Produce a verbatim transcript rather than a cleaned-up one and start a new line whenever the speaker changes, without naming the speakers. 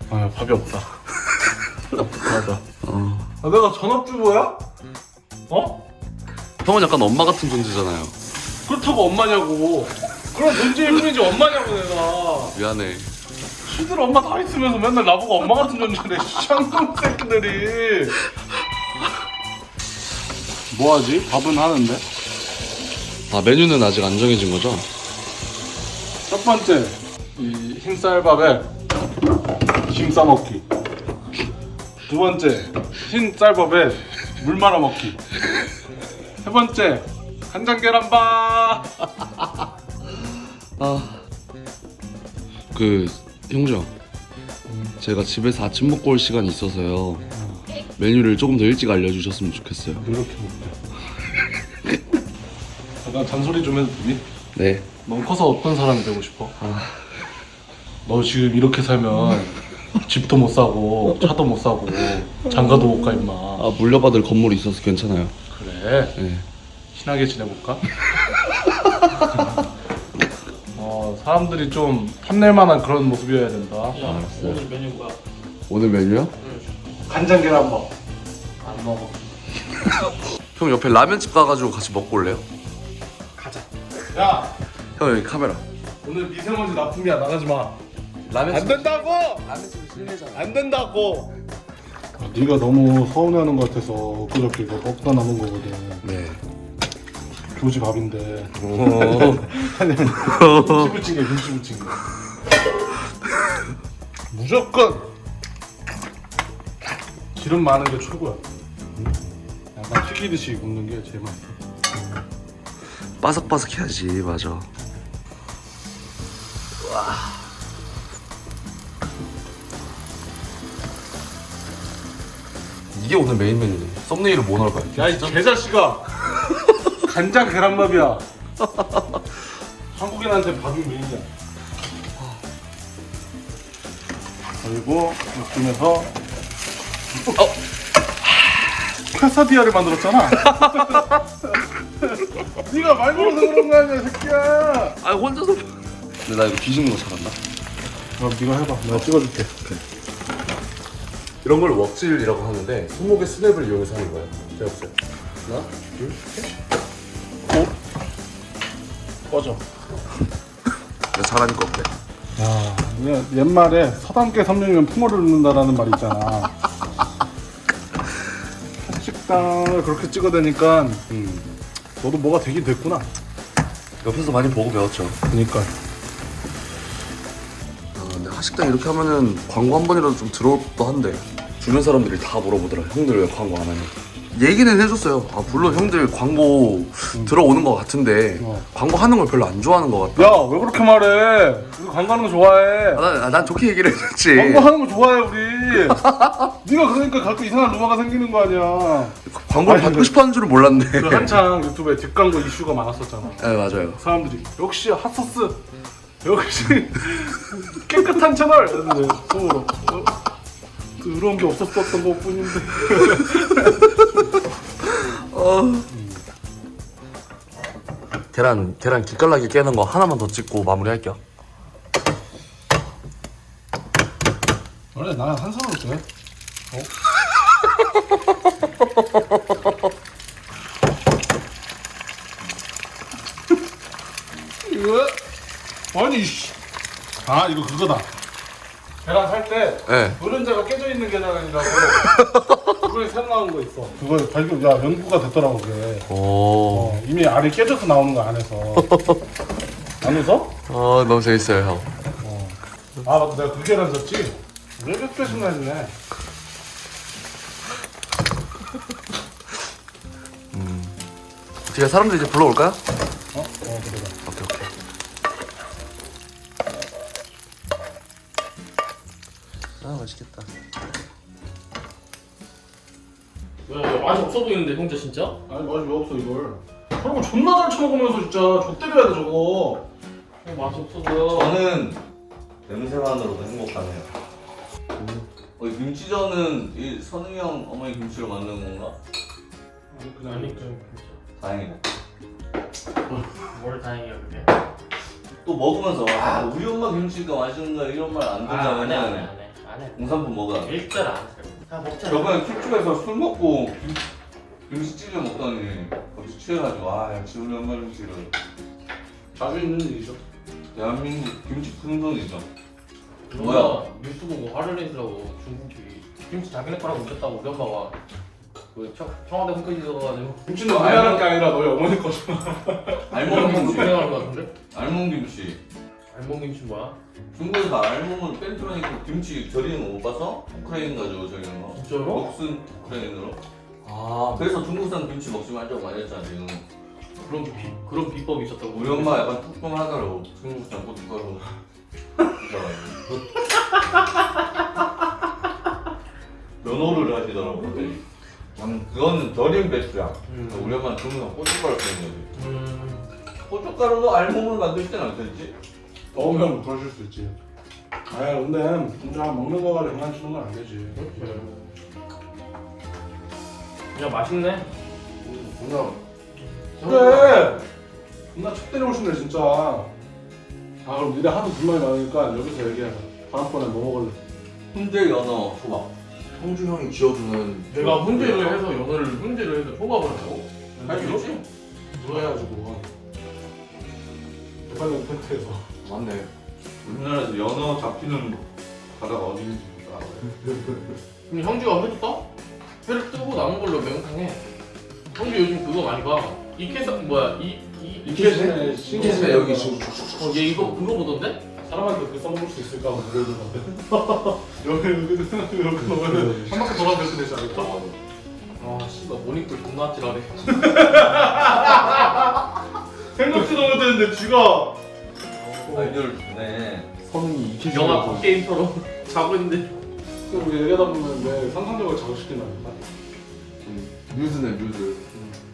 아 밥이 없다. 맞아. 어. 아, 내가 전업주부야? 어?
형은 약간 엄마 같은 존재잖아요.
그렇다고 엄마냐고. 그런 존재일 뿐이지 엄마냐고 내가.
미안해.
시들 엄마 다 있으면서 맨날 나보고 엄마 같은 존재래. 쌍놈 새끼들이. 뭐하지? 밥은 하는데?
아, 메뉴는 아직 안 정해진 거죠?
첫 번째 이 흰쌀밥에 김 싸먹기. 두 번째 흰쌀밥에 물 말아 먹기. 세 번째 간장 계란밥.
아, 그 형정, 제가 집에서 아침 먹고 올 시간이 있어서요. 메뉴를 조금 더 일찍 알려주셨으면 좋겠어요.
이렇게 먹자. 잠깐 잔소리 좀 해도 되니?
네.
넌 커서 어떤 사람이 되고 싶어? 아... 너 지금 이렇게 살면 집도 못 사고 차도 못 사고 장가도 못 가 임마.
아, 물려받을 건물이 있어서 괜찮아요.
그래?
네.
친하게 지내볼까? 어, 사람들이 좀 탐낼 만한 그런 모습이어야 된다.
야,
알았어요.
오늘 메뉴 뭐야?
오늘 메뉴요?
간장 계란밥.
안 먹어.
형 옆에 라면집 가가지고 같이 먹고 올래요?
가자. 야,
형 여기 카메라.
오늘 미세먼지 납품이야. 나가지 마.
라면집.
안 된다고!
라면집은 실내잖아.
안 된다고! 아, 네가 너무 서운해하는 것 같아서 그저께 이거 먹다 남은 거거든.
네.
교지 밥인데.
오.
김치 부침개, 김치 부침개. 무조건 기름 많은 게 최고야. 응? 약간 튀기듯이 굽는 게 제일 맛있어.
바삭바삭해야지. 맞아. 이게 오늘 메인 메뉴네. 썸네일을 뭐 넣을까요?
야, 이 개자식아! 간장 계란밥이야. 한국인한테 밥이 메인이야. 그리고 이쯤에서 어? 퀘사디아를 만들었잖아. 네가 말 걸어서 그런 거 아니야, 새끼야.
아, 혼자서. 근데 나 이거 뒤집는 거 잘한다.
그럼 네가 해봐. 내가 찍어줄게.
이런 걸 웍질이라고 하는데 손목의 스냅을 이용해서 하는 거예요. 제가 보세요. 하나, 둘, 셋.
오. 꺼져.
내가 잘하니까 어때?
야, 그냥 옛말에 서당계 삼룡이면 풍어를 넣는다라는 말이 있잖아. 식당을 그렇게 찍어대니까
음.
너도 뭐가 되긴 됐구나.
옆에서 많이 보고 배웠죠.
그니까.
아, 근데 하식당 이렇게 하면은 광고 한 번이라도 좀 들어올 법도 한데 주변 사람들이 다 물어보더라. 형들 왜 광고 안 하냐. 얘기는 해줬어요. 아, 물론 형들 광고 음. 들어오는 것 같은데
어.
광고 하는 걸 별로 안 좋아하는 것 같다.
야, 왜 그렇게 말해? 우리 광고하는 거 좋아해.
아, 난, 아, 난 좋게 얘기를 해줬지.
광고 하는 거 좋아해 우리. 네가 그러니까 가끔 이상한 루머가 생기는 거 아니야.
광고를
아니,
받고
근데-
싶어하는 줄은 몰랐네.
그 한창 유튜브에 뒷광고 이슈가 많았었잖아.
네, 맞아요.
사람들이 역시 핫소스, 역시 깨끗한 채널. 이랬는데 속으로 어? 그런 게 없었었던 것 뿐인데.
어... 계란 계란 기깔나게 깨는 거 하나만 더 찍고 마무리할게요.
원래 나는 한 손으로 돼. 어? 이거 아니 씨. 아 이거 그거다. 계란 살 때
네.
노른자가 깨져 있는 계란이라고 그거에 새로 나온 거 있어. 그거 발견 야 연구가 됐더라고 그게.
오.
어, 이미 알이 깨져서 나오는 거 안에서. 안 웃어?
어, 너무 재밌어요, 형.
어. 아 맞다 내가 그 계란 샀지. 왜 이렇게 순간이네.
어떻게 사람들 이제 불러올까요?
어? 어 그래.
오케이 오케이. 아, 맛있겠다.
왜, 왜 맛이 없어 보이는데 형제 진짜?
아니 맛이 왜 없어 이걸. 저런 거 존나 잘 처먹으면서 진짜 좆 때려야 돼 저거.
어, 맛이 없어 보여.
저는 냄새만으로도 행복하네요. 어, 이 김치전은 이 선웅이 형 어머니 김치로 만든 건가?
그냥
아니 그
다행이네.
뭘 다행이야 그게.
또 먹으면서 아 우리 엄마 김치가 맛있는가 이런 말 안
아, 안 해, 안 해,
들잖아요.
안 해. 아, 안 해.
공산품 먹어.
일절 안 해. 다 먹자.
저번에 술집에서 술 먹고 김, 김치 찌개 먹더니 갑자기 취해가지고 아 역시 우리 엄마 김치를
자주 있는 일이죠.
대한민국 김치 큰손이죠.
뭐야?
뭐야?
뉴스 보고 화를 내시라고 중국이 김치 자기네 거라고 웃겼다고 우리 엄마가 그 청, 청와대 홈페이지 들어가가지고
김치는 우리나라 게 아니라 너희 어머니 거잖아.
알몸 김치.
유명한 거 같은데?
알몸 김치.
알몸 김치 뭐야?
중국에서 알몸은 뺀트로 있고 김치 절이는 거 못 봐서? 우크라이나 가지고 절이는 거.
진짜로?
먹순 우크라이나로.
아
그래서 중국산 김치 먹지 말자고 많이 했잖아 지금.
그런 비 그런 비법이 있었다고.
우리 엄마 약간 뚜껑하더라고. 중국산 고춧가루. 면허를 하시더라고. 갑자기. 음, 그거는 절인 배추야.
음.
우리 엄마는 중국산 고춧가루 쓰는 거지.
음.
고춧가루로 알몸을 만들 때는 안 되지?
넣으면 그러실 수 있지. 아 근데 혼자 먹는 거 가지고 장난치는 건 안 되지.
그렇지. 그냥 맛있네.
존나 그래. 존나 척 때리고 싶네 진짜. 아 그럼 니네 하도 불만이 많으니까 여기서 얘기하자. 다음번에 뭐 먹을래?
훈제 연어 초밥.
형주 형이 지어주는
내가 훈제를 해서 연어를 훈제를 해서 초밥을 하고
할 수 있지?
그래가지고 대판장 텐트에서
맞네.
우리나라에서 연어 잡히는 바다가 어딘지 알아요?
근데 형주가 회도 떠? 회를 뜨고 남은 걸로 매운탕 해. 형주 요즘 그거 많이 봐. 이케사 뭐야 이 이
이케스네
신기했네 여기 지금
어얘 이거 그거 보던데?
사람한테 그 써먹을 수 있을까 모르는 건데. 여기 여기 이렇게 넣으면 한 바퀴 돌아도 이렇게 되지 않을까?
아 씨발 모닝콜 존나 아찔하네.
생각지도 못했는데 쥐가
아이디어를 주네.
성이 이케
영화 갓게임처럼 자고 있는데.
우리 얘기하다 보면 내 상상력을 자극시킨다니까.
뮤즈네 뮤즈.